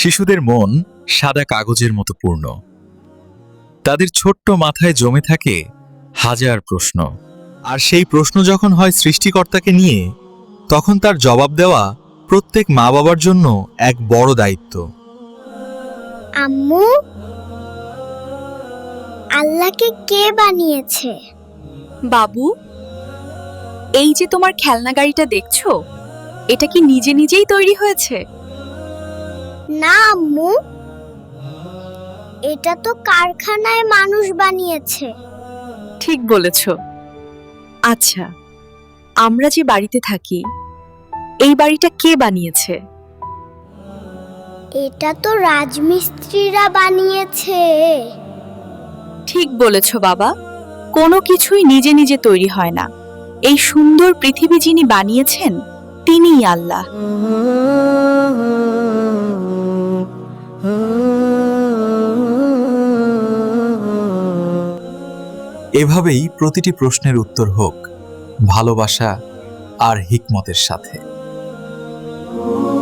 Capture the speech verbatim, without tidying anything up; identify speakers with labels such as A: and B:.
A: শিশুদের মন সাদা কাগজের মতো পূর্ণ। তাদের ছোট্ট মাথায় জমে থাকে হাজার প্রশ্ন, আর সেই প্রশ্ন যখন হয় সৃষ্টিকর্তাকে নিয়ে, তখন তার জবাব দেওয়া প্রত্যেক মা বাবার জন্য এক বড় দায়িত্ব।
B: আম্মু, আল্লাহকে কে বানিয়েছে?
C: বাবু, এই যে তোমার খেলনা গাড়িটা দেখছো, এটা কি নিজে নিজেই তৈরি হয়েছে?
B: না আম্মু, এটা তো কারখানায় মানুষ বানিয়েছে।
C: ঠিক বলেছ। আচ্ছা, আমরা যে বাড়িতে থাকি, এই বাড়িটা কে বানিয়েছে?
B: এটা তো রাজমিস্ত্রিরা বানিয়েছে।
C: ঠিক বলেছ বাবা, কোনো কিছুই নিজে নিজে তৈরি হয় না। এই সুন্দর পৃথিবী যিনি বানিয়েছেন, তিনিই আল্লাহ।
A: এভাবেই প্রতিটি প্রশ্নের উত্তর হোক ভালোবাসা আর হিকমতের সাথে।